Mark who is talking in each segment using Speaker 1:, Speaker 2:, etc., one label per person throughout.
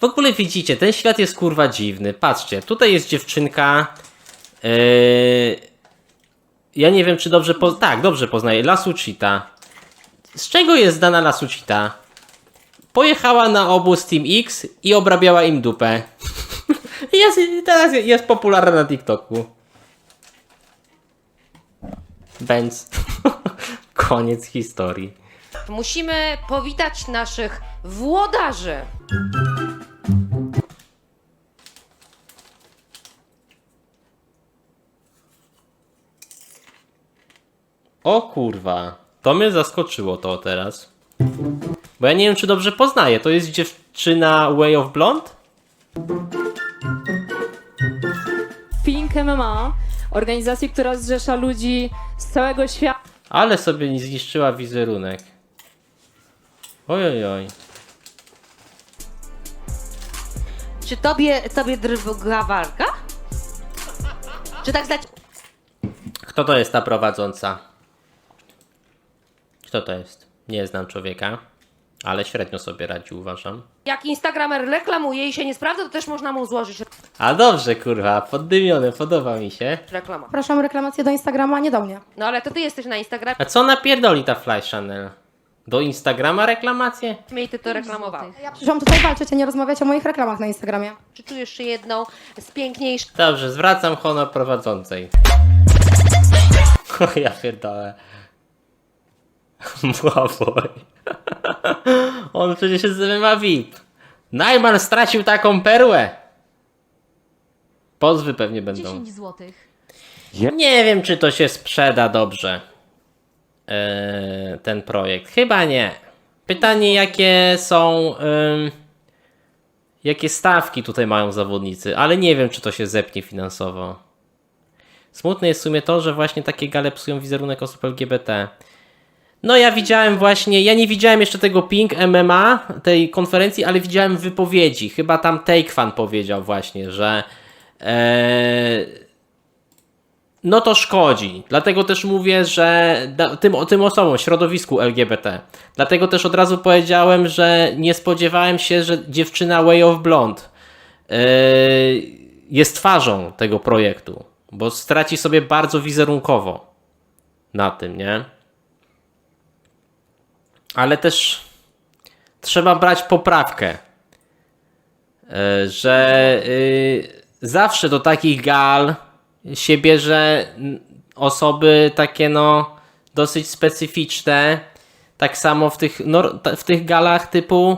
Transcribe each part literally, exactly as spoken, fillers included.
Speaker 1: ogóle widzicie, ten świat jest kurwa dziwny. Patrzcie, tutaj jest dziewczynka. Yy... Ja nie wiem, czy dobrze po... Tak, dobrze poznaję. Lasucita. Z czego jest znana Lasucita? Pojechała na obóz Team X i obrabiała im dupę. Jest, teraz jest popularna na TikToku. Benz. Koniec historii.
Speaker 2: Musimy powitać naszych włodarzy.
Speaker 1: O kurwa. To mnie zaskoczyło to teraz. Bo ja nie wiem, czy dobrze poznaję. To jest dziewczyna Way of Blonde?
Speaker 3: Pink M M A, organizacji, która zrzesza ludzi z całego świata.
Speaker 1: Ale sobie nie zniszczyła wizerunek. Ojojoj. Oj.
Speaker 2: Czy tobie, tobie drga walka? Czy tak zdać?
Speaker 1: Kto to jest ta prowadząca? Kto to jest? Nie znam człowieka, ale średnio sobie radzi, uważam.
Speaker 2: Jak Instagramer reklamuje i się nie sprawdza, to też można mu złożyć
Speaker 1: A dobrze, kurwa, poddymione, podoba mi się.
Speaker 2: reklamę.
Speaker 4: Proszę reklamację do Instagrama, nie do mnie.
Speaker 2: No ale to ty jesteś na Instagramie
Speaker 1: A co napierdoli ta Fly Channel? Do Instagrama reklamację?
Speaker 2: i ty to reklamowałeś.
Speaker 4: Ja przyszłam tutaj walczyć, a nie rozmawiać o moich reklamach na Instagramie.
Speaker 2: Czy czujesz się jedną z piękniejszych?
Speaker 1: Dobrze, zwracam honor prowadzącej. O ja pierdolę. Błaboj. On przecież jest z M M A V I P. Najman stracił taką perłę. Pozwy pewnie będą.
Speaker 5: dziesięć złotych.
Speaker 1: Nie wiem, czy to się sprzeda dobrze. Eee, ten projekt. Chyba nie. Pytanie, jakie są... Ym, jakie stawki tutaj mają zawodnicy, ale nie wiem, czy to się zepnie finansowo. Smutne jest w sumie to, że właśnie takie gale psują wizerunek osób L G B T. No ja widziałem właśnie, ja nie widziałem jeszcze tego Pink M M A, tej konferencji, ale widziałem wypowiedzi. Chyba tam Take Fan powiedział właśnie, że ee, no to szkodzi. Dlatego też mówię, że da, tym, tym osobom, środowisku L G B T. Dlatego też od razu powiedziałem, że nie spodziewałem się, że dziewczyna Way of Blonde ee, jest twarzą tego projektu, bo straci sobie bardzo wizerunkowo na tym, nie? Ale też trzeba brać poprawkę, że zawsze do takich gal się bierze osoby takie no dosyć specyficzne. Tak samo w tych, no, w tych galach typu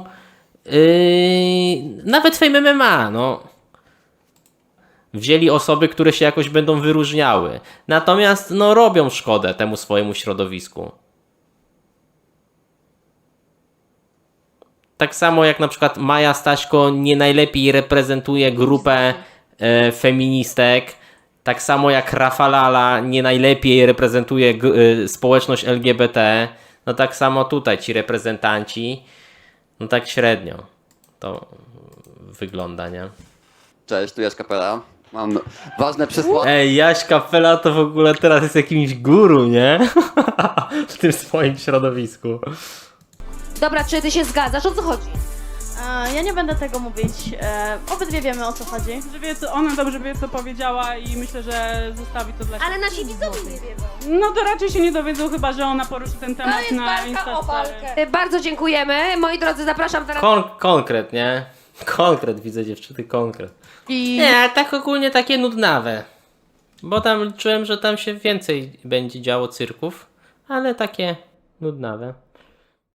Speaker 1: nawet Fame M M A, no. Wzięli osoby, które się jakoś będą wyróżniały. Natomiast no robią szkodę temu swojemu środowisku. Tak samo jak na przykład Maja Staśko nie najlepiej reprezentuje grupę e, feministek, tak samo jak Rafalala nie najlepiej reprezentuje g, e, społeczność L G B T, no tak samo tutaj ci reprezentanci, no tak średnio to wygląda, nie?
Speaker 6: Cześć, tu Jaś Kapela. Mam ważne przesłanie.
Speaker 1: Ej, Jaś Kapela to w ogóle teraz jest jakimś guru, nie? W tym swoim środowisku.
Speaker 2: Dobra, czy ty się zgadzasz? O co chodzi?
Speaker 7: E, Ja nie będę tego mówić. E, obydwie wiemy, o co chodzi.
Speaker 8: Że wie, co, ona dobrze wie, co powiedziała i myślę, że zostawi to dla siebie.
Speaker 2: Ale nasi widzowie nie wiedzą.
Speaker 8: No to raczej się nie dowiedzą, chyba że ona poruszy ten
Speaker 2: To
Speaker 8: temat
Speaker 2: jest
Speaker 8: na
Speaker 2: walka o
Speaker 8: Instastory.
Speaker 2: walkę. Bardzo dziękujemy. Moi drodzy, zapraszam teraz.
Speaker 1: Kon konkret, nie? Konkret, widzę dziewczyny, konkret.
Speaker 7: I
Speaker 1: Nie, tak ogólnie takie nudnawe. Bo tam czułem, że tam się więcej będzie działo cyrków, ale takie nudnawe.